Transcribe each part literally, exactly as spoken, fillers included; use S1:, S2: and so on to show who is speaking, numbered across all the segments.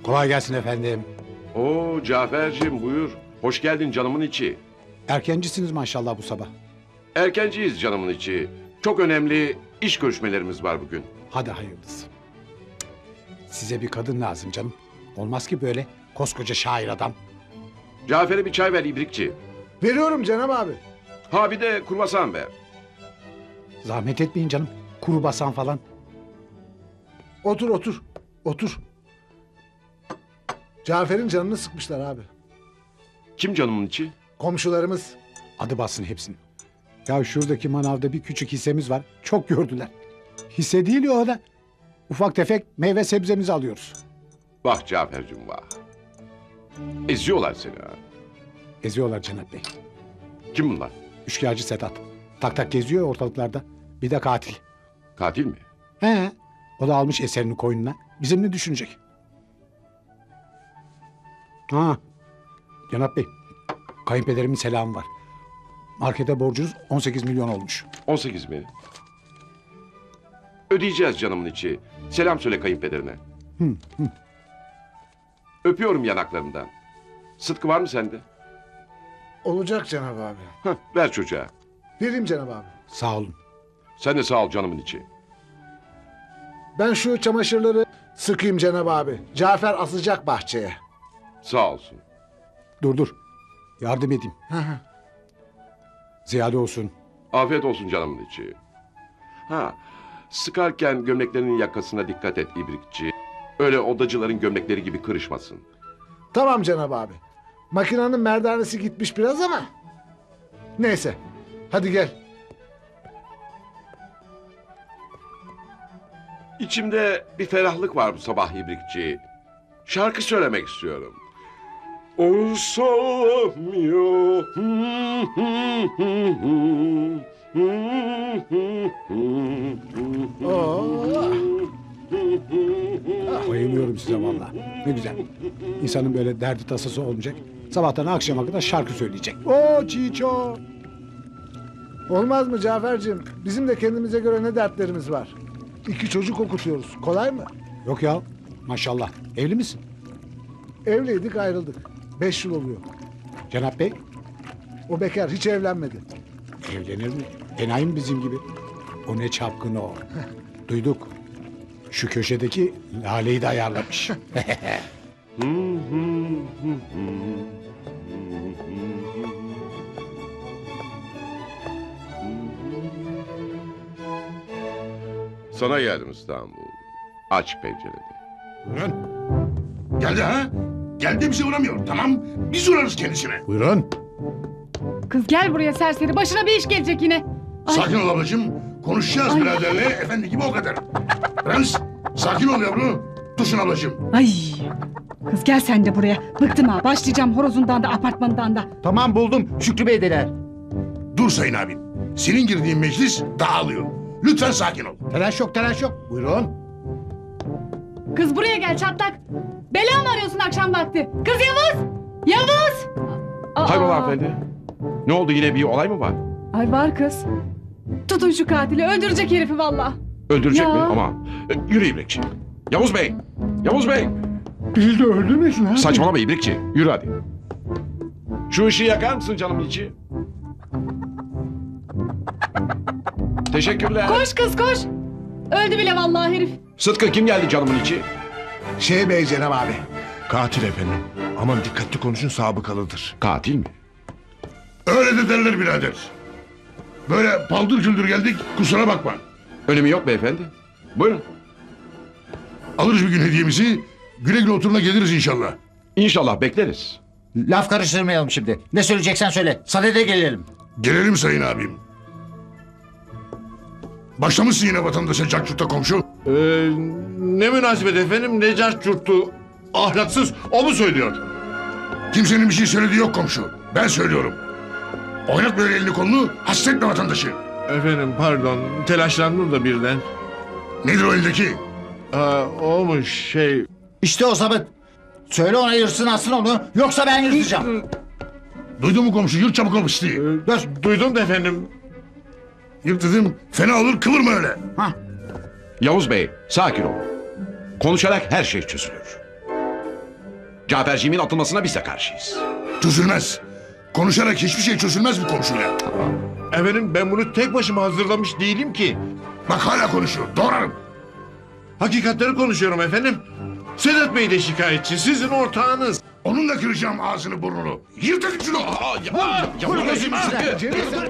S1: Kolay gelsin efendim.
S2: Oo Cafer'cim buyur. Hoş geldin canımın içi.
S1: Erkencisiniz maşallah bu sabah.
S2: Erkenciyiz canımın içi. Çok önemli iş görüşmelerimiz var bugün.
S1: Hadi hayırlısı. Size bir kadın lazım canım. Olmaz ki böyle koskoca şair adam.
S2: Cafer'e bir çay ver ibrikçi.
S3: Veriyorum Cenab abi.
S2: Ha bir de kurbasan ver.
S1: Zahmet etmeyin canım. Kuru basan falan.
S3: Otur otur. Otur. Cafer'in canını sıkmışlar abi.
S2: Kim canımın içi?
S3: Komşularımız.
S1: Adı bassın hepsini. Ya şuradaki manavda bir küçük hissemiz var. Çok gördüler. Hisse değil ya o da. Ufak tefek meyve sebzemizi alıyoruz.
S2: Vah Cafer'cim vah. Eziyorlar seni ha.
S1: Eziyorlar Cenap Bey.
S2: Kim bunlar?
S1: Üçkağıtçı Sedat. Tak tak geziyor ortalıklarda. Bir de katil.
S2: Katil mi?
S1: He. O da almış eserini koynuna. Bizim ne düşünecek? Ha. Cenap Bey. Kayınpederimin selamı var. Markete borcunuz on sekiz milyon olmuş.
S2: on sekiz mi? Ödeyeceğiz canımın içi. Selam söyle kayınpederine.
S1: Hı, hı.
S2: Öpüyorum yanaklarından. Sıtkı var mı sende?
S3: Olacak Cenab abi.
S2: Heh, ver çocuğa.
S3: Vereyim Cenab abi.
S1: Sağ olun.
S2: Sen de sağ ol canımın içi.
S3: Ben şu çamaşırları sıkayım Cenab abi. Cafer asacak bahçeye.
S2: Sağ olsun.
S1: Dur dur. Yardım edeyim.
S3: Hı hı.
S1: Ziyade olsun.
S2: Afiyet olsun canımın içi. Ha, sıkarken gömleklerinin yakasına dikkat et ibrikçi. Öyle odacıların gömlekleri gibi kırışmasın.
S3: Tamam Cenab abi. Makinenin merdanesi gitmiş biraz ama. Neyse. Hadi gel.
S2: İçimde bir ferahlık var bu sabah ibrikçi. Şarkı söylemek istiyorum. Olsamıyor.
S3: Oo.
S1: Bayılıyorum size vallahi. Ne güzel. İnsanın böyle derdi tasası olmayacak. Sabahtan akşama kadar şarkı söyleyecek. O çiço.
S3: Olmaz mı Cafer'cim? Bizim de kendimize göre ne dertlerimiz var. İki çocuk okutuyoruz. Kolay mı?
S1: Yok ya. Maşallah. Evli misin?
S3: Evliydik ayrıldık. Beş yıl oluyor.
S1: Cenap Bey.
S3: O bekar hiç evlenmedi.
S1: Evlenir mi? Enayi mi bizim gibi? O ne çapkın o. Duyduk. Şu köşedeki Lale'yi de ayarlamış.
S2: Sana geldim İstanbul. Aç pencereni.
S4: Buyurun. Geldi ha? Geldi bize uğramıyor. Tamam. Biz uğrarız kendisine.
S1: Buyurun.
S5: Kız gel buraya serseri. Başına bir iş gelecek yine. Ay.
S4: Sakin ol ablacığım. Konuşacağız
S5: Ay.
S4: biraderle. Efendi gibi o kadar. Prens. Sakin ol yavru. Dursun ablacığım.
S5: Ay. Kız gel sen de buraya. Bıktım ha. Başlayacağım horozundan da apartmanından da.
S6: Tamam buldum. Şükrü Bey'deler.
S4: Dur sayın abim. Senin girdiğin meclis dağılıyor. Lütfen sakin ol.
S6: Telaş yok telaş yok. Buyurun.
S5: Kız buraya gel çatlak. Bela mı arıyorsun akşam vakti? Kız Yavuz. Yavuz. Aa.
S2: Hayrola hanımefendi? Ne oldu yine bir olay mı var?
S5: Ay var kız. Tutun şu katili. Öldürecek herifi valla.
S2: Öldürecek
S5: Ya.
S2: mi? Ama e, yürü ibrikçi. Yavuz Bey! Yavuz Bey!
S1: Bizi de öldürmesin ha.
S2: Saçmalama ibrikçi. Yürü hadi. Şu ışığı yakar mısın canımın içi? Teşekkürler.
S5: Koş kız koş. Öldü bile vallahi herif.
S2: Sıtkı kim geldi canımın içi?
S4: Şey bey Cenab abi. Katil efendim. Aman dikkatli konuşun sabıkalıdır.
S2: Katil mi?
S4: Öyle de derler birader. Böyle paldır küldür geldik kusura bakma.
S2: Önemi yok beyefendi. Buyurun.
S4: Alırız bir gün hediyemizi. Güle güle oturuna geliriz inşallah.
S2: İnşallah bekleriz.
S6: Laf karıştırmayalım şimdi. Ne söyleyeceksen söyle. Sadede gelelim.
S4: Gelelim sayın abim. Başlamışsın yine vatandaşa cakçurta komşu.
S7: Ee, ne münasebet efendim, ne cartçurttu, ahlaksız, o mu söylüyor?
S4: Kimsenin bir şey söylediği yok komşu. Ben söylüyorum. Oynat böyle elini kolunu, hasretme vatandaşı.
S7: Efendim pardon, telaşlandım da birden.
S4: Nedir o eldeki?
S7: Aa, o mu şey...
S6: İşte o sabit. Söyle ona yırsın atsın onu. Yoksa ben yırtacağım.
S4: Duydun mu komşu? Yırt çabuk ol pisliği.
S7: Ee, duydum da efendim.
S4: Yırt dedim. Fena olur kıvırma öyle.
S6: Hah.
S2: Yavuz Bey sakin olun. Konuşarak her şey çözülür. Caferciğimin atılmasına biz de karşıyız.
S4: Çözülmez. Konuşarak hiçbir şey çözülmez bu komşuyla.
S7: Efendim ben bunu tek başıma hazırlamış değilim ki.
S4: Bak hala konuşuyor. Doğrarım.
S7: Hakikatleri konuşuyorum efendim. Sedat Bey de şikayetçi. Sizin ortağınız.
S4: Onunla kıracağım ağzını burnunu. Yırtın şunu.
S2: Aa, ya, ya, bu gözüm sıkı.
S3: Cemil sen...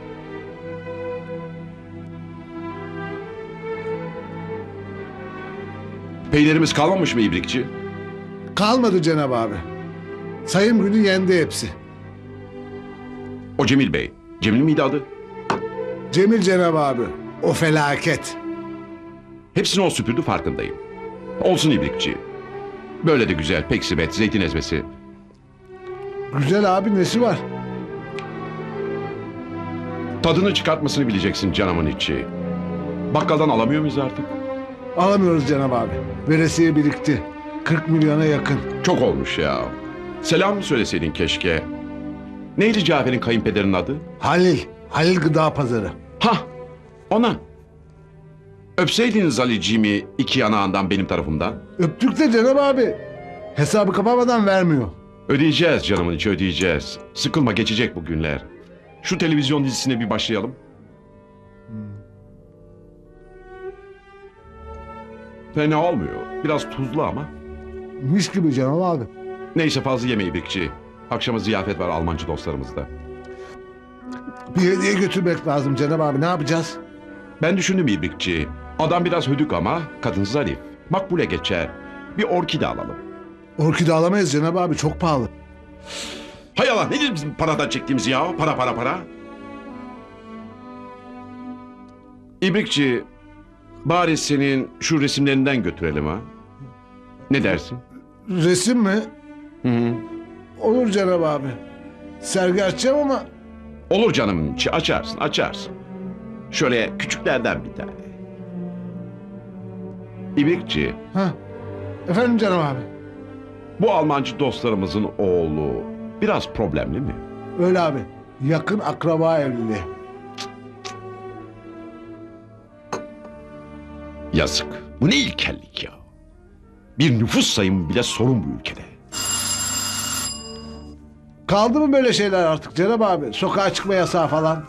S2: Peynirimiz kalmamış mı ibrikçi?
S3: Kalmadı Cenab abi. Sayım günü yendi hepsi.
S2: O Cemil Bey. Cemil miydi adı?
S3: Cemil Cenab abi. O felaket.
S2: Hepsini o süpürdü farkındayım. Olsun ibrikçi. Böyle de güzel peksimet, zeytin ezmesi.
S3: Güzel abi nesi var?
S2: Tadını çıkartmasını bileceksin canımın içi. Bakkaldan alamıyor muyuz artık?
S3: Alamıyoruz Cenab abi. Veresiye birikti. kırk milyona yakın.
S2: Çok olmuş ya. Selam mı söyleseydin keşke. Neydi Cafer'in kayınpederinin adı?
S3: Halil. Halil Gıda Pazarı.
S2: Hah, ona. Öpseydiniz Ali'ciğimi iki yanağından benim tarafımdan.
S3: Öptük de Cenab abi. Hesabı kapamadan vermiyor.
S2: Ödeyeceğiz canımın içi ödeyeceğiz. Sıkılma geçecek bu günler. Şu televizyon dizisine bir başlayalım. Fena olmuyor. Biraz tuzlu ama.
S3: Mis gibi Cenab abi.
S2: Neyse fazla yeme ibrikçi. Akşama ziyafet var Almancı dostlarımızda.
S3: Bir hediye götürmek lazım Cenab abi. Ne yapacağız?
S2: Ben düşündüm ibrikçi. Adam biraz hödük ama kadın zarif. Makbule geçer. Bir orkide alalım.
S3: Orkide alamayız Cenab abi. Çok pahalı.
S2: Hay Allah nedir bizim paradan çektiğimiz ya? Para para para. İbrikçi bari senin şu resimlerinden götürelim ha. Ne dersin?
S3: Resim mi?
S2: Hı hı.
S3: Olur Cenab abi. Sergi açacağım ama
S2: Olur canım içi açarsın açarsın. Şöyle küçüklerden bir tane. İbrikçi
S3: ha. Efendim Cenab abi.
S2: bu Almancı dostlarımızın oğlu biraz problemli mi?
S3: Öyle abi. Yakın akraba evliliği.
S2: Yazık. Bu ne ilkellik ya. Bir nüfus sayımı bile sorun bu ülkede.
S3: Kaldı mı böyle şeyler artık Cenab abi? Sokağa çıkma yasağı falan.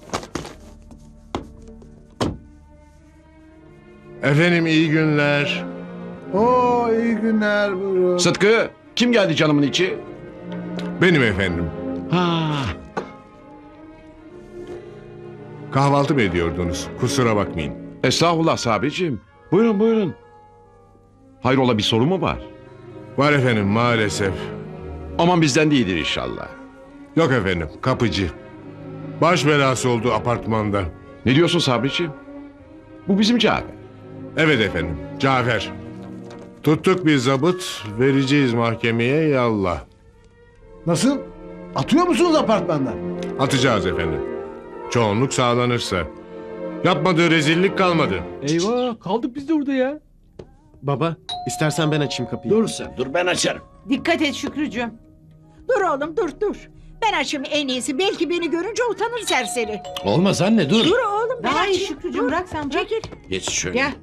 S7: Efendim iyi günler.
S3: Oo iyi günler buyurun.
S2: Sıtkı kim geldi canımın içi?
S7: Benim efendim.
S2: Ha.
S7: Kahvaltı mı ediyordunuz? Kusura bakmayın.
S2: Estağfurullah Sabri'cim. Buyurun buyurun. Hayrola bir sorun mu var?
S7: Var efendim maalesef.
S2: Aman bizden değildir inşallah.
S7: Yok efendim kapıcı. Baş belası oldu apartmanda.
S2: Ne diyorsun Sabri'cim? Bu bizim Cafer.
S7: Evet efendim Cafer. Tuttuk bir zabıt vereceğiz mahkemeye yallah.
S3: Nasıl? Atıyor musunuz apartmandan?
S7: Atacağız efendim. Çoğunluk sağlanırsa. Yapmadığı rezillik kalmadı.
S8: Eyvah kaldık biz de orada ya. Baba istersen ben açayım kapıyı.
S6: Dur sen dur ben açarım.
S9: Dikkat et Şükrücüğüm.
S10: Dur oğlum dur dur. Ben açayım en iyisi. Belki beni görünce utanır serseri.
S6: Olmaz anne dur.
S10: Dur oğlum ben
S5: Daha iyi
S10: açayım.
S5: Şükrücüğüm
S10: Dur.
S5: bırak sen bırak.
S10: Çekil.
S6: Geç şöyle.
S10: Gel.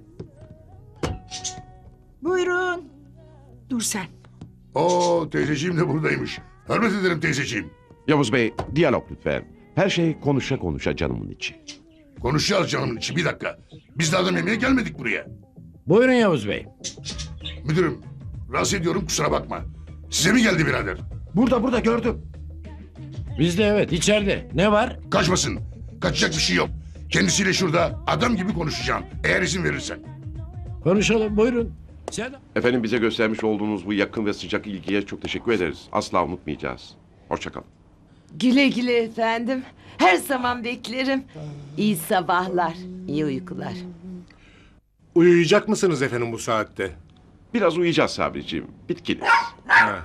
S10: Buyurun. Dur sen.
S4: Oo teyzeciğim de buradaymış. Hürmet ederim teyzeciğim.
S2: Yavuz Bey diyalog lütfen. Her şey konuşa konuşa canımın içi.
S4: Konuşacağız canımın içi bir dakika. Biz de adam yemeye gelmedik buraya.
S6: Buyurun Yavuz Bey.
S4: Müdürüm rahatsız ediyorum kusura bakma. Size mi geldi birader?
S6: Burada burada gördüm. Bizde evet içeride. Ne var?
S4: Kaçmasın. Kaçacak bir şey yok. Kendisiyle şurada adam gibi konuşacağım. Eğer izin verirsen.
S6: Konuşalım buyurun. Sen...
S2: Efendim bize göstermiş olduğunuz bu yakın ve sıcak ilgiye çok teşekkür ederiz. Asla unutmayacağız. Hoşçakalın.
S9: Güle güle efendim. Her zaman beklerim. İyi sabahlar, iyi uykular.
S7: Uyuyacak mısınız efendim bu saatte?
S2: Biraz uyuyacağız Sabri'ciğim. Bitkiniz.
S7: Ha.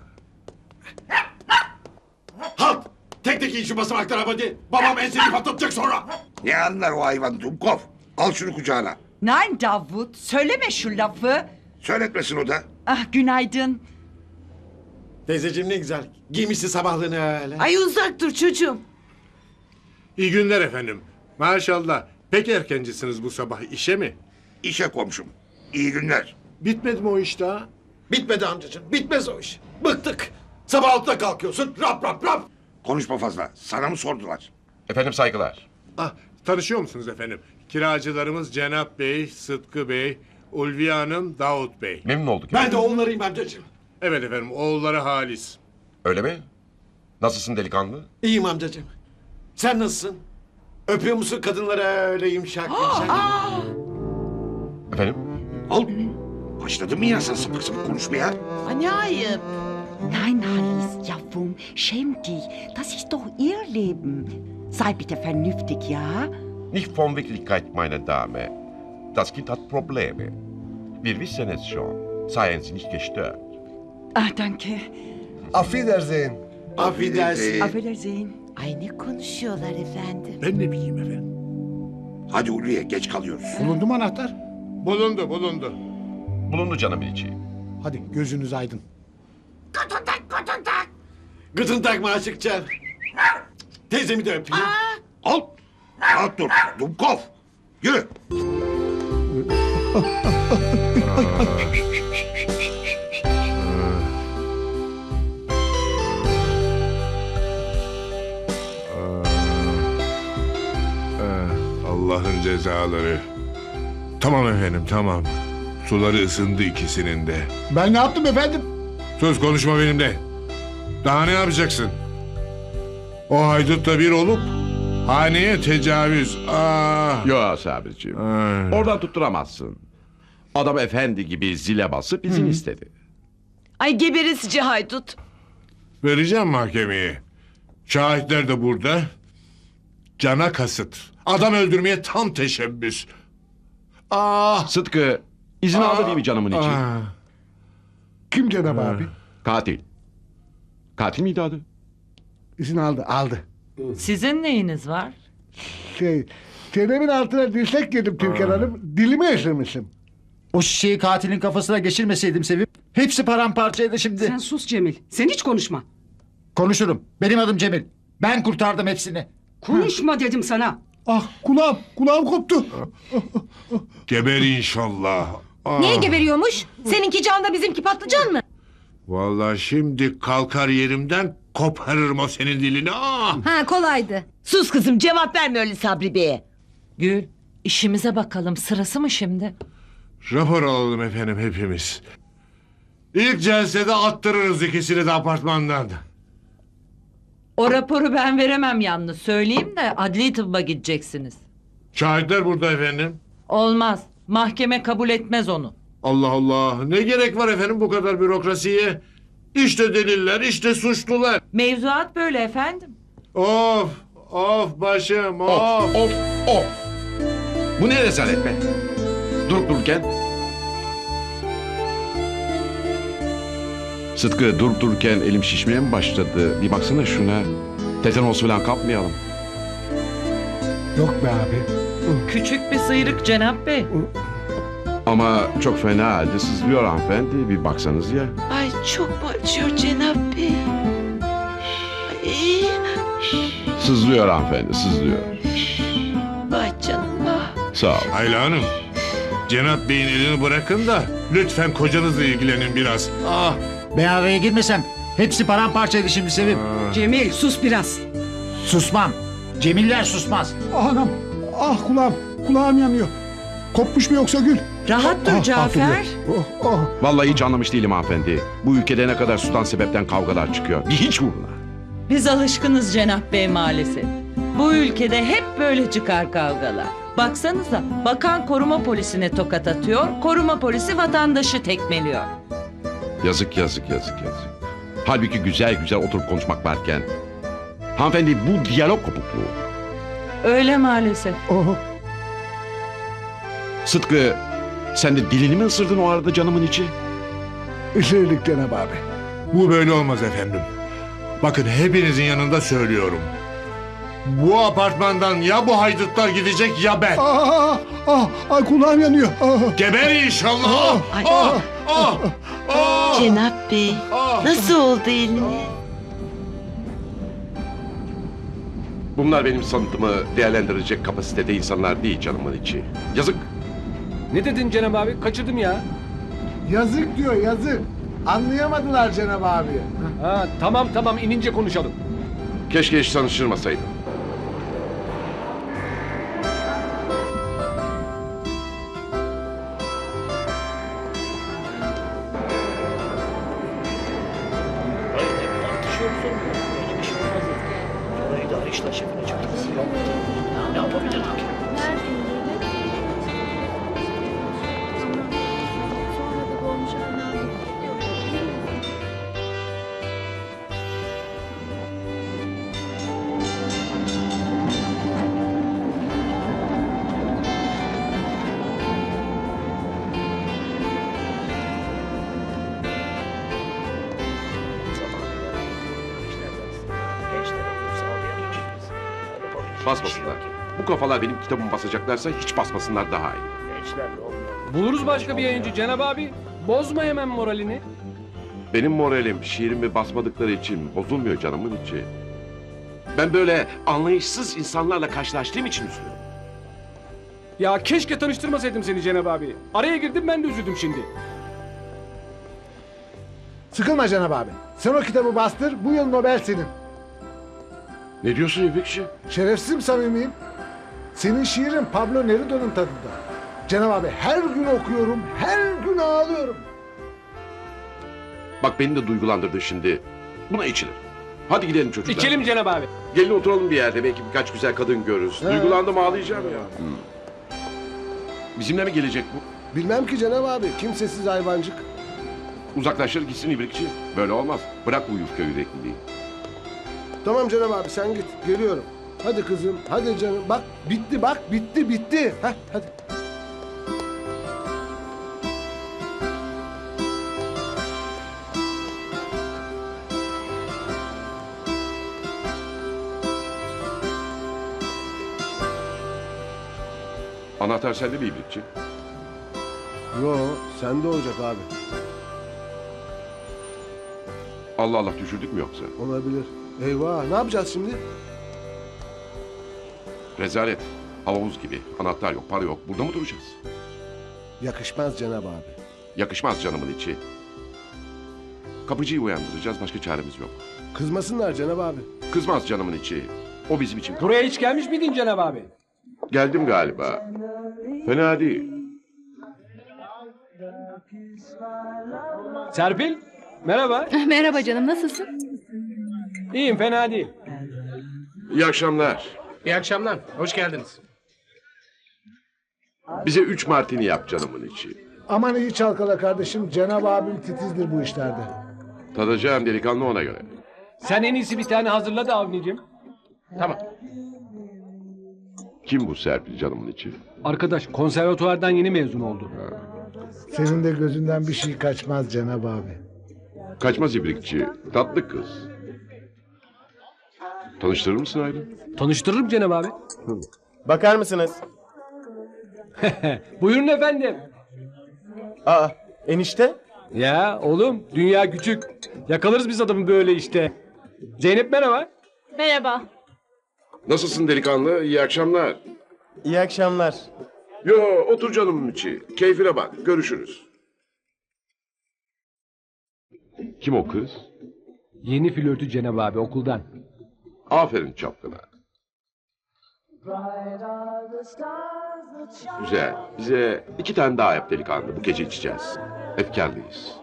S11: Halt! Tek tek in şu basamaklara hadi. Babam enseni patlatacak sonra.
S4: Ne anlar o hayvan Dumkov? Al şunu kucağına.
S10: Nein Davut. Söyleme şu lafı.
S4: Söyletmesin o da.
S10: Ah günaydın.
S11: Teyzeciğim ne güzel. Giymişsin sabahlığını öyle.
S9: Ay uzak dur çocuğum.
S7: İyi günler efendim. Maşallah. Pek erkencisiniz bu sabah işe mi?
S4: İşe komşum. İyi günler.
S7: Bitmedi mi o iş daha?
S11: Bitmedi amcacığım. Bitmez o iş. Bıktık. Sabah altıda kalkıyorsun. Rap rap rap.
S4: Konuşma fazla. Sana mı sordular?
S2: Efendim saygılar.
S7: Ah, tanışıyor musunuz efendim? Kiracılarımız Cenap Bey, Sıtkı Bey, Ulviye Hanım, Davut Bey.
S2: Memnun olduk.
S11: Ben de onlarıyım amcacığım.
S7: Evet efendim, oğulları Halis.
S2: Öyle mi? Nasılsın delikanlı?
S11: İyiyim amcacığım. Sen nasılsın? Öpüyor musun kadınlara öyle yumuşak yumuşak?
S2: Efendim?
S4: Al. Başladın mı yine sen sapık sapık konuşmaya?
S9: Ay, ne ayıp.
S10: Nein, Halis, ja, warum? Schäm dich. Das ist doch ihr Leben. Sei bitte vernünftig, ja?
S2: Nicht von Wirklichkeit, meine Dame. Das Kind hat Probleme. Wir wissen es schon. Seien Sie nicht gestört.
S10: Ah, danke.
S3: Affedersin.
S11: Affedersin.
S10: Auf Wiedersehen.
S9: Ay ne konuşuyorlar efendim.
S7: Ben ne bileyim efendim.
S4: Hadi Ulviye geç kalıyoruz.
S1: Bulundu mu anahtar?
S7: Bulundu, bulundu.
S2: Bulundu canımın içi.
S1: Hadi gözünüz aydın.
S11: Gıtın takma açıkça. Teyzemi de öpeyim.
S4: Al. Rahat dur. Dumkov. Yürü.
S7: Allah'ın cezaları. Tamam efendim, tamam. Suları ısındı ikisinin de.
S1: Ben ne yaptım efendim?
S7: Söz konuşma benimle. Daha ne yapacaksın? O haydutla bir olup haneye tecavüz. Ah.
S2: Yo Sabriciğim.
S7: Ay.
S2: Oradan tutturamazsın. Adam efendi gibi zile basıp izin istedi.
S9: Ay geberesici haydut.
S7: Vereceğim mahkemeye. Şahitler de burada. Cana kasıt. Adam öldürmeye tam teşebbüs. Ah.
S2: Sıtkı izin aldı değil mi canımın içi?
S7: Ah.
S3: Kim Cenab abi?
S2: Katil. Katil miydi adı?
S3: İzin aldı, aldı.
S12: Sizin neyiniz var?
S3: Şey, çenemin altına dirsek yedim Türkan Hanım. Dilimi esirmişim.
S6: O şişeyi katilin kafasına geçirmeseydim Sevim. Hepsi paramparçaydı şimdi.
S5: Sen sus Cemil. Sen hiç konuşma.
S6: Konuşurum. Benim adım Cemil. Ben kurtardım hepsini.
S5: Konuşma dedim sana.
S3: Ah kulağım, kulağım koptu.
S7: Geber inşallah. Ah.
S5: Niye geberiyormuş? Seninki can da bizimki patlıcan mı?
S7: Vallahi şimdi kalkar yerimden koparırım o senin dilini. Ah.
S5: Ha kolaydı.
S9: Sus kızım, cevap verme öyle Sabri Bey'e.
S12: Gül, işimize bakalım. Sırası mı şimdi?
S7: Rapor alalım efendim hepimiz. İlk celsede attırırız ikisini de apartmandan.
S12: O raporu ben veremem yalnız. Söyleyeyim de adli tıbba gideceksiniz.
S7: Şahitler burada efendim.
S12: Olmaz. Mahkeme kabul etmez onu.
S7: Allah Allah. Ne gerek var efendim bu kadar bürokrasiye? İşte deliller, işte suçlular.
S12: Mevzuat böyle efendim.
S7: Of, of başım, of.
S2: Of of of. Bu ne rezalet be? Durup dururken. Sıtkı durup dururken elim şişmeye mi başladı? Bir baksana şuna. Tetanos falan kapmayalım.
S3: Yok be abi.
S12: Küçük bir sıyrık Cenap Bey.
S2: Ama çok fena halde sızlıyor hanımefendi. Bir baksanız ya.
S9: Ay çok mu acıyor Cenap Bey? Ay,
S2: Sızlıyor hanımefendi, sızlıyor.
S9: vay canım vah.
S2: Sağ ol.
S7: Ayla Hanım, Cenap Bey'in elini bırakın da lütfen kocanızla ilgilenin biraz. Ah.
S6: Ben araya girmesem hepsi paramparçaydı şimdi Sevim.
S5: Cemil sus biraz.
S6: Susmam. Cemiller susmaz.
S1: Anam, ah kulağım, kulağım yanıyor. Kopmuş mu yoksa Gül?
S12: Rahat dur
S1: Ah, ah,
S12: Cafer.
S1: duruyor. Oh, oh.
S2: Vallahi hiç anlamış değilim hanımefendi. Bu ülkede ne kadar sudan sebepten kavgalar çıkıyor. Bir hiç uğruna.
S12: Biz alışkınız Cenap Bey maalesef. Bu ülkede hep böyle çıkar kavgalar. Baksanıza, bakan koruma polisine tokat atıyor, koruma polisi vatandaşı tekmeliyor.
S2: Yazık yazık yazık yazık. Halbuki güzel güzel oturup konuşmak varken. Hanımefendi bu diyalog kopukluğu.
S12: Öyle maalesef.
S1: Oh.
S2: Sıtkı sen de dilini mi ısırdın o arada canımın içi?
S3: Isırdık Cenab abi.
S7: Bu böyle olmaz efendim. Bakın hepinizin yanında söylüyorum. Bu apartmandan ya bu haydutlar gidecek ya ben.
S1: Ah, ah, ah, kulağım yanıyor. Ah.
S7: Geber inşallah.
S9: Ay.
S7: Ah, ah, ah.
S9: Cenap Bey,
S7: Ah.
S9: nasıl oldu eliniz?
S2: Bunlar benim sanatımı değerlendirecek kapasitede insanlar değil canımın içi. Yazık.
S8: Ne dedin Cenab abi? Kaçırdım ya.
S3: Yazık diyor yazık. Anlayamadılar Cenab abi.
S8: Ha, tamam tamam inince konuşalım.
S2: Keşke hiç tanıştırmasaydım. Basmasınlar. Bu kafalar benim kitabımı basacaklarsa hiç basmasınlar daha iyi.
S8: Buluruz başka bir yayıncı Cenab abi. Bozma hemen moralini.
S2: Benim moralim şiirimi basmadıkları için bozulmuyor canımın içi. Ben böyle anlayışsız insanlarla karşılaştığım için üzülüyorum.
S8: Ya keşke tanıştırmasaydım seni Cenab abi. Araya girdim ben de üzüldüm şimdi.
S3: Sıkılma Cenab abi. Sen o kitabı bastır, bu yıl Nobel senin.
S2: Ne diyorsun İbrikçi?
S3: Şerefsizim samimiyim. Senin şiirin Pablo Neruda'nın tadında. Cenab abi her gün okuyorum, her gün ağlıyorum.
S2: Bak beni de duygulandırdı şimdi. Buna içilir. Hadi gidelim çocuklar.
S8: İçelim Cenab abi.
S2: Gelin oturalım bir yerde. Belki birkaç güzel kadın görürüz. Duygulandım ağlayacağım ya. Hmm. Bizimle mi gelecek bu?
S3: Bilmem ki Cenab abi, kimsesiz hayvancık.
S2: Uzaklaşır gitsin İbrikçi. Böyle olmaz. Bırak bu yufka yürekliliği.
S3: Tamam Cenab abi sen git, geliyorum. Hadi kızım, hadi canım. Bak bitti bak, bitti bitti. Heh, hadi.
S2: Anahtar sende mi İbrikçi?
S3: Yo, sende olacak abi.
S2: Allah Allah düşürdük mü yoksa?
S3: Olabilir. Eyvah, ne yapacağız şimdi?
S2: Rezalet. Havamız gibi. Anahtar yok, para yok. Burada mı duracağız?
S3: Yakışmaz Cenab abi.
S2: Yakışmaz canımın içi. Kapıcıyı uyandıracağız. Başka çaremiz yok.
S3: Kızmasınlar Cenab abi.
S2: Kızmaz canımın içi. O bizim için.
S8: Buraya hiç gelmiş miydin Cenab abi?
S2: Geldim galiba. Fena değil.
S8: Serpil, merhaba.
S5: Merhaba canım, nasılsın?
S8: İyiyim, fena değil.
S2: İyi akşamlar.
S8: İyi akşamlar, hoş geldiniz.
S2: Bize üç martini yap canımın içi.
S3: Aman iyi çalkala kardeşim. Cenab abim titizdir bu işlerde.
S2: Tadacağım delikanlı ona göre.
S8: Sen en iyisi bir tane hazırla da Avni'cim. Tamam.
S2: Kim bu Serpil canımın içi?
S8: Arkadaş, konservatuvardan yeni mezun oldu.
S3: Senin de gözünden bir şey kaçmaz Cenab abi.
S2: Kaçmaz İbrikçi. Tatlı kız. Tanıştırır mısın Aylin?
S8: Tanıştırırım Cenab abi.
S11: Bakar mısınız?
S8: Buyurun efendim.
S11: Aa, enişte?
S8: Ya oğlum, dünya küçük. Yakalarız biz adamı böyle işte. Zeynep merhaba.
S5: Merhaba.
S2: Nasılsın delikanlı? İyi akşamlar.
S11: İyi akşamlar.
S2: Yo otur canımın içi. Keyfine bak. Görüşürüz. Kim o kız?
S8: Yeni flörtü Cenab abi okuldan.
S2: Aferin çapkına. Güzel. Bize iki tane daha yap delikanlı. Bu gece içeceğiz. Efkarlıyız.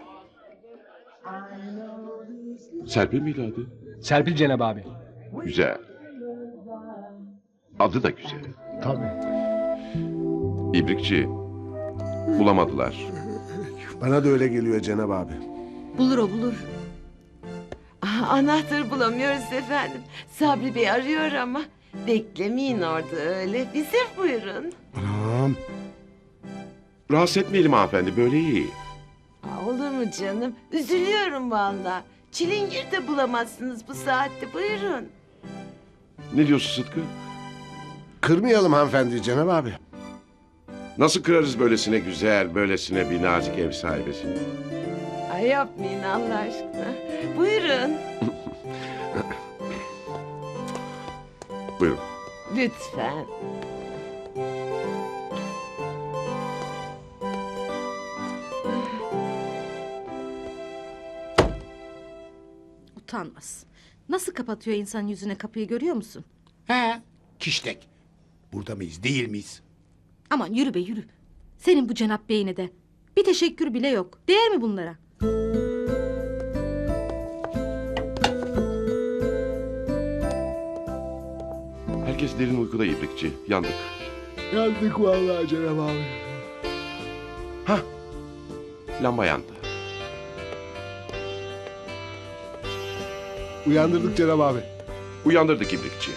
S2: Serpil miydi adı?
S8: Serpil Cenab abi.
S2: Güzel. Adı da güzel.
S3: Tabii.
S2: İbrikçi. Bulamadılar.
S3: Bana da öyle geliyor Cenab abi.
S9: Bulur o bulur. Ah, anahtarı bulamıyoruz efendim. Sabri Bey arıyor ama. Beklemeyin orada öyle. Bize buyurun.
S1: Anam.
S2: Rahatsız etmeyelim hanımefendi. Böyle iyi.
S9: Aa, olur mu canım? Üzülüyorum vallahi. Çilingir de bulamazsınız bu saatte. Buyurun.
S2: Ne diyorsun Sıtkı?
S3: Kırmayalım hanımefendi Cenab abi.
S2: Nasıl kırarız böylesine güzel, böylesine bir nazik ev sahibesini?
S9: Ay yapmayın Allah aşkına. Buyurun.
S2: Buyurun.
S9: Lütfen.
S5: Utanmaz. Nasıl kapatıyor insanın yüzüne kapıyı görüyor musun?
S1: He. Kiştek. Burada mıyız değil miyiz?
S5: Aman yürü be yürü. Senin bu Cenap Bey'ine de. Bir teşekkür bile yok. Değer mi bunlara?
S2: Herkes derin uykuda İbrikçi. Yandık.
S3: Yandık vallahi Cenab abi.
S2: Hah. Lamba yandı.
S3: Uyandırdık Cenab abi.
S2: Uyandırdık İbrikçi.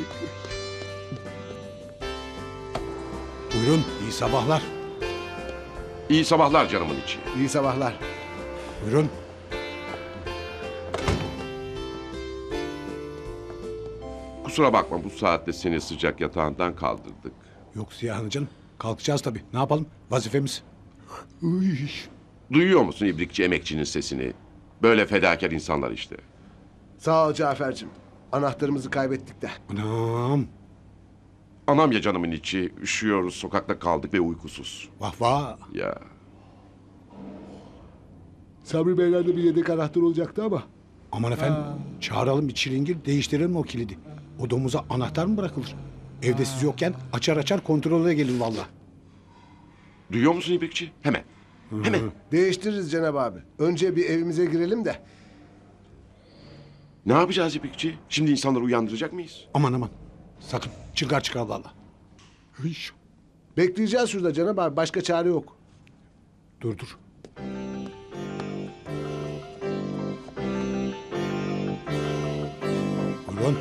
S1: Buyurun iyi sabahlar.
S2: İyi sabahlar canımın içi.
S3: İyi sabahlar.
S1: Buyurun.
S2: Kusura bakma bu saatte seni sıcak yatağından kaldırdık.
S1: Yok Ziya canım. Kalkacağız tabii. Ne yapalım? Vazifemiz.
S3: Uy.
S2: Duyuyor musun İbrikçi emekçinin sesini? Böyle fedakar insanlar işte.
S3: Sağ ol Cafer'cim. Anahtarımızı kaybettik de.
S1: Anam.
S2: Anam ya canımın içi. Üşüyoruz, sokakta kaldık ve uykusuz.
S1: Vah vah.
S2: Ya
S3: Sabri Beyler'de bir yedek anahtar olacaktı ama.
S1: Aman efendim. Çağıralım bir çilingir değiştirelim o kilidi. O domuza anahtar mı bırakılır? Evde siz yokken açar açar kontrole gelin valla.
S2: duyuyor musun İbrikçi? Hemen. Hemen.
S3: Değiştiririz Cenab abi. Önce bir evimize girelim de.
S2: Ne yapacağız İbrikçi? Şimdi insanları uyandıracak mıyız?
S1: Aman aman. Sakın çılgar çıkar valla. Hış.
S3: Bekleyeceğiz şurada Cenab abi. Başka çare yok.
S1: Dur dur. Buyurun.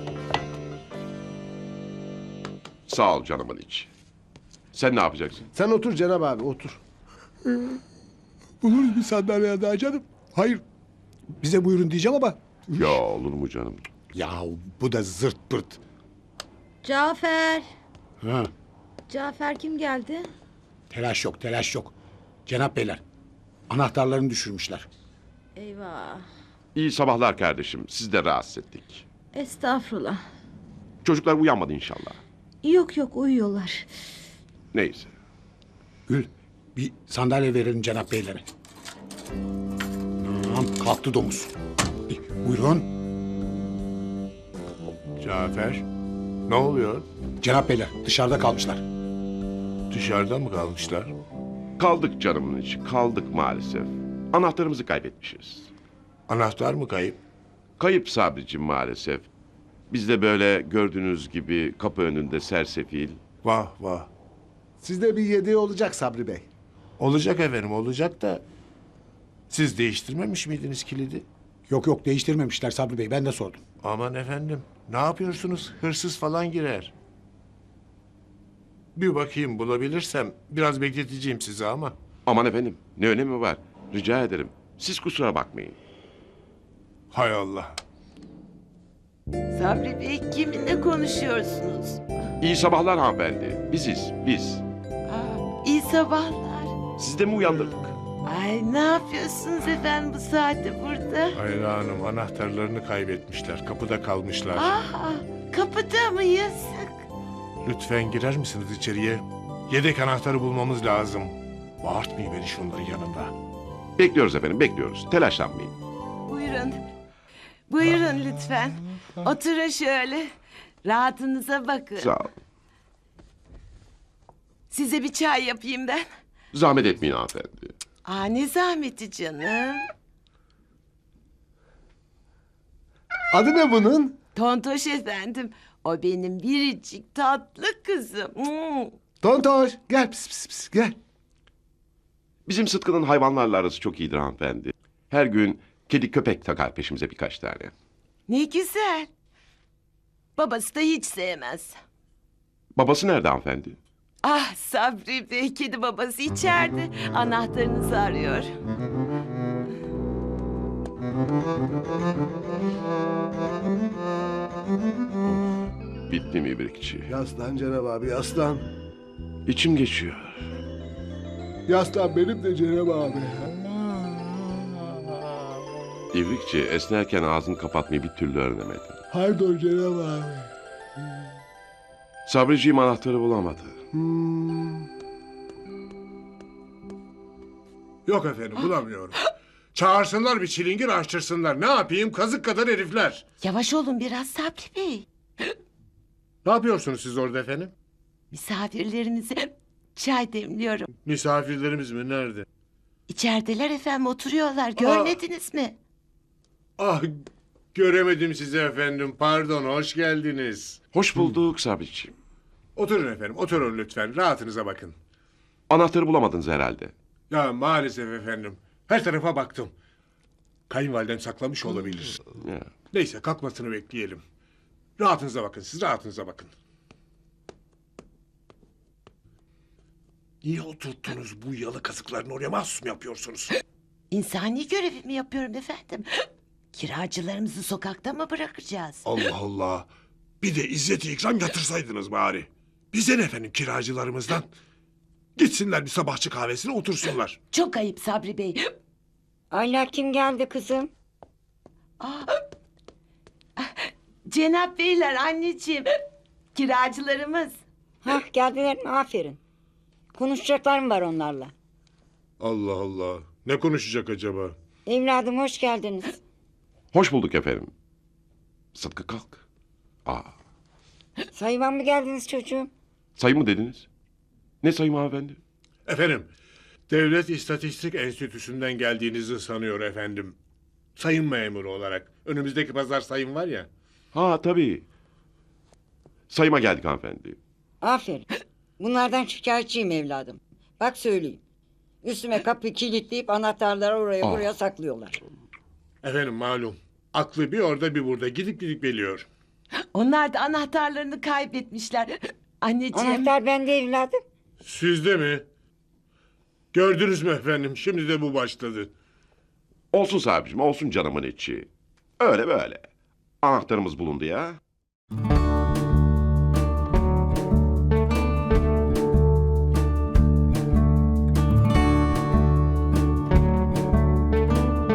S2: Sağ ol canımın içi. Sen ne yapacaksın?
S3: Sen otur Cenab abi otur.
S1: Buluruz bir sandalye daha canım. Hayır. Bize buyurun diyeceğim ama.
S2: Ya olur mu canım?
S1: Ya bu da zırt pırt.
S5: Cafer.
S1: Ha,
S5: Cafer kim geldi?
S1: telaş yok telaş yok. Cenap beyler. Anahtarlarını düşürmüşler.
S5: Eyvah.
S2: İyi sabahlar kardeşim. Siz de rahatsız ettik.
S5: Estağfurullah.
S2: Çocuklar uyanmadı inşallah.
S5: Yok yok uyuyorlar.
S2: Neyse.
S1: Gül bir sandalye verelim Cenap beylere. Tamam kalktı domuz. Buyurun.
S7: Cafer, ne oluyor?
S1: Cenap beyler dışarıda kalmışlar.
S7: Dışarıda mı kalmışlar?
S2: Kaldık canımın içi. Kaldık maalesef. Anahtarımızı kaybetmişiz.
S7: Anahtar mı kayıp?
S2: Kayıp Sabricim maalesef. Biz de böyle gördüğünüz gibi kapı önünde sersefil.
S7: Vah vah.
S3: Sizde bir yedeği olacak Sabri Bey.
S7: Olacak efendim, olacak da... Siz değiştirmemiş miydiniz kilidi?
S1: Yok yok değiştirmemişler Sabri Bey ben de sordum.
S7: Aman efendim, ne yapıyorsunuz? Hırsız falan girer. Bir bakayım bulabilirsem biraz bekleteceğim sizi ama.
S2: Aman efendim ne önemi var? Rica ederim. Siz kusura bakmayın.
S7: Hay Allah.
S9: Sabri Bey kiminle konuşuyorsunuz?
S2: İyi sabahlar hanımefendi. Biziz biz.
S9: Aa, iyi sabahlar.
S2: Siz de mi uyandırdık?
S9: Ay ne yapıyorsunuz efendim bu saatte burada?
S7: Ayla Hanım anahtarlarını kaybetmişler. Kapıda kalmışlar.
S9: Aa, kapıda mı yazık?
S7: Lütfen girer misiniz içeriye? Yedek anahtarı bulmamız lazım. Bağırtmayın beni şunların yanında.
S2: Bekliyoruz efendim bekliyoruz. Telaşlanmayın.
S9: Buyurun. Buyurun lütfen. Oturun şöyle. Rahatınıza bakın.
S2: Sağ ol.
S9: Size bir çay yapayım ben.
S2: Zahmet etmeyin hanımefendi.
S9: Aa ne zahmeti canım.
S3: Adı ne bunun?
S9: Tontoş efendim. O benim biricik tatlı kızım. Hmm.
S3: Tontoş gel pis pis pis gel.
S2: Bizim Sıtkı'nın hayvanlarla arası çok iyidir hanımefendi. Her gün kedi köpek takar peşimize birkaç tane.
S9: Ne güzel. Babası da hiç sevmez.
S2: Babası nerede hanımefendi?
S9: Ah Sabri Bey, kedi babası içeride. Anahtarınızı arıyor.
S2: Bitti mi İbrikçi?
S3: Yaslan Cenab abi yaslan.
S2: İçim geçiyor.
S3: Yaslan benim de Cenab abi.
S2: İbrikçi esnerken ağzını kapatmayı bir türlü öğrenemedi.
S3: Pardon Cenab abi.
S2: Sabriciğim anahtarı bulamadı.
S3: Hmm.
S7: Yok efendim bulamıyorum. Çağırsınlar bir çilingir açtırsınlar. Ne yapayım kazık kadar herifler.
S9: Yavaş olun biraz Sabri Bey.
S7: Ne yapıyorsunuz siz orada efendim?
S9: Misafirlerinize çay demliyorum.
S7: Misafirlerimiz mi? Nerede?
S9: İçerideler efendim oturuyorlar. Görmediniz mi?
S7: Ah göremedim sizi efendim. Pardon hoş geldiniz.
S2: Hoş bulduk Sabriciğim.
S7: Oturun efendim oturun lütfen. Rahatınıza bakın.
S2: Anahtarı bulamadınız herhalde.
S7: Ya maalesef efendim. Her tarafa baktım. Kayınvalidem saklamış olabilir.
S2: Ya.
S7: Neyse kalkmasını bekleyelim. Rahatınıza bakın siz rahatınıza bakın. Niye oturttunuz bu yalı kazıklarını oraya mahsus mu yapıyorsunuz?
S9: İnsani görevimi yapıyorum efendim. Kiracılarımızı sokakta mı bırakacağız?
S7: Allah Allah. Bir de izzet-i ikram yatırsaydınız bari. Bize ne efendim kiracılarımızdan? Gitsinler bir sabahçı kahvesine otursunlar.
S9: Çok ayıp Sabri Bey.
S10: Ayla kim geldi kızım?
S9: Aa, Cenap Beyler anneciğim. Kiracılarımız.
S10: Hah geldiler mi? Aferin. Konuşacaklarım var onlarla.
S7: Allah Allah. Ne konuşacak acaba?
S10: Evladım hoş geldiniz.
S2: Hoş bulduk efendim. Sıtkı kalk. Aa,
S10: Sayıvan mı geldiniz çocuğum?
S2: sayı mı dediniz? Ne sayım hanımefendi?
S7: Efendim, Devlet İstatistik Enstitüsü'nden geldiğinizi sanıyor efendim. Sayın memuru olarak. Önümüzdeki pazar sayım var ya.
S2: Ha tabii. Sayıma geldik hanımefendi.
S10: Aferin. Bunlardan şikayetçiyim evladım. Bak söyleyeyim. Üstüme kapıyı kilitleyip anahtarları oraya
S2: Aa.
S10: buraya saklıyorlar.
S7: Efendim malum. Aklı bir orada bir burada gidip gidip geliyor.
S9: Onlar da anahtarlarını kaybetmişler. Anneciğim.
S10: Anahtar bende evladım.
S7: Sizde mi? Gördünüz mü efendim? Şimdi de bu başladı.
S2: Olsun Sabriciğim olsun canımın içi. Öyle böyle. Anahtarımız bulundu ya.